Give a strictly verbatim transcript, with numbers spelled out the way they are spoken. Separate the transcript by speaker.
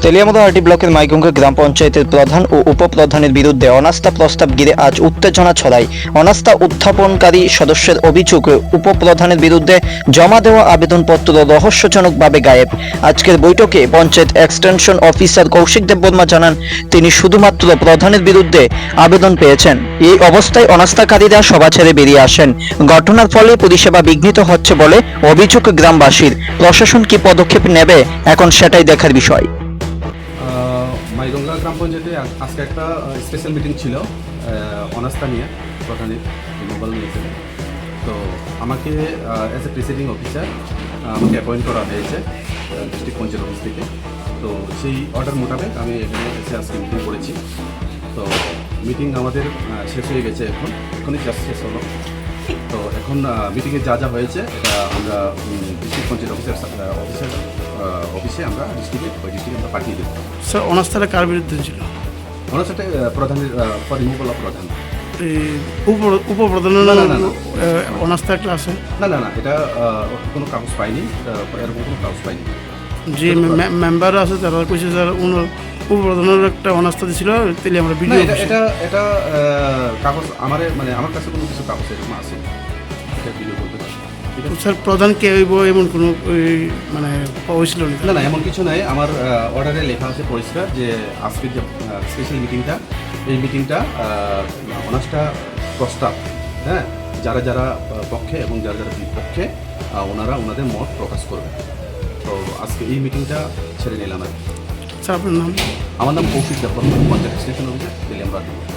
Speaker 1: তেলিয়ামুড়াহাটি ব্লকের মাইগঙ্গা গ্রাম পঞ্চায়েতের প্রধান ও উপপ্রধানের বিরুদ্ধে অনাস্থা প্রস্তাব ঘিরে আজ উত্তেজনা ছড়ায়। অনাস্থা উত্থাপনকারী সদস্যের অভিযোগ, উপপ্রধানের বিরুদ্ধে জমা দেওয়া আবেদনপত্র রহস্যজনকভাবে গায়েব। আজকের বৈঠকে পঞ্চায়েত এক্সটেনশন অফিসার কৌশিক দেববর্মা জানান, তিনি শুধুমাত্র প্রধানের বিরুদ্ধে আবেদন পেয়েছেন। এই অবস্থায় অনাস্থাকারীরা সভা ছেড়ে বেরিয়ে আসেন। ঘটনার ফলে পরিষেবা বিঘ্নিত হচ্ছে বলে অভিযোগ গ্রামবাসীর। প্রশাসন কি পদক্ষেপ নেবে এখন সেটাই দেখার বিষয়।
Speaker 2: মাইগঙ্গা গ্রাম পঞ্চায়েতে আজকে একটা স্পেশাল মিটিং ছিল অনাস্থা নিয়ে, প্রধানের মোবাইল নিয়েছিল। তো আমাকে অ্যাজ এ প্রিসাইডিং অফিসার আমাকে অ্যাপয়েন্ট করা হয়েছে ডিস্ট্রিক্ট পঞ্চায়েত অফিস থেকে। তো সেই অর্ডার মোতাবেক আমি এখানে এসে আজকে মিটিং করেছি। তো মিটিং আমাদের শেষ হয়ে গেছে, এখন এখনই জাস্ট শেষ হলো। তো এখন মিটিংয়ে যা যা হয়েছে এটা আমরা ডিস্ট্রিক্ট পঞ্চায়েত অফিসার অফিসার অফিসে আমরা ডিস্ট্রিক্টে ওই ডিস্ট্রিক্টে আমরা পাঠিয়ে দেবো।
Speaker 3: স্যার অনাস্থাটা কার বিরুদ্ধে ছিল?
Speaker 2: অনাস্থাটা প্রধানের ফর রিমুভাল অফ প্রধান।
Speaker 3: উপপ্রধানের অনাস্থা একটা আছে?
Speaker 2: না না না এটা কোনো কাগজ পাইনি, এরকম কোনো কাগজ পাইনি।
Speaker 3: যে মেম্বার আছে তারা কইছে স্যার উপপ্রধানের একটা অনাস্থা দিছিল, তাহলে আমরা ভিডিও
Speaker 2: এটা এটা কাগজ আমার মানে আমার কাছে কোনো কিছু কাগজ এরকম আছে এটা ভিডিও করতে পারি।
Speaker 3: স্যার প্রধান কে হইব এমন কোনো মানে হয়েছিল
Speaker 2: না না এমন কিছু নাই। আমার অর্ডারে লেখা আছে পরিষ্কার যে আজকের যে স্পেশাল মিটিংটা, এই মিটিংটা অনাস্থা প্রস্তাব, হ্যাঁ, যারা যারা পক্ষে এবং যারা যারা বিপক্ষে ওনারা ওনাদের মত প্রকাশ করবে। তো আজকে এই মিটিংটা ছেড়ে নিলাম আর কি।
Speaker 3: স্যার আপনার নাম?
Speaker 2: আমার নাম কৌশিক দেববর্মা, পঞ্চায়েত এক্সটেনশন অফিসার, তেলিয়ামুড়া।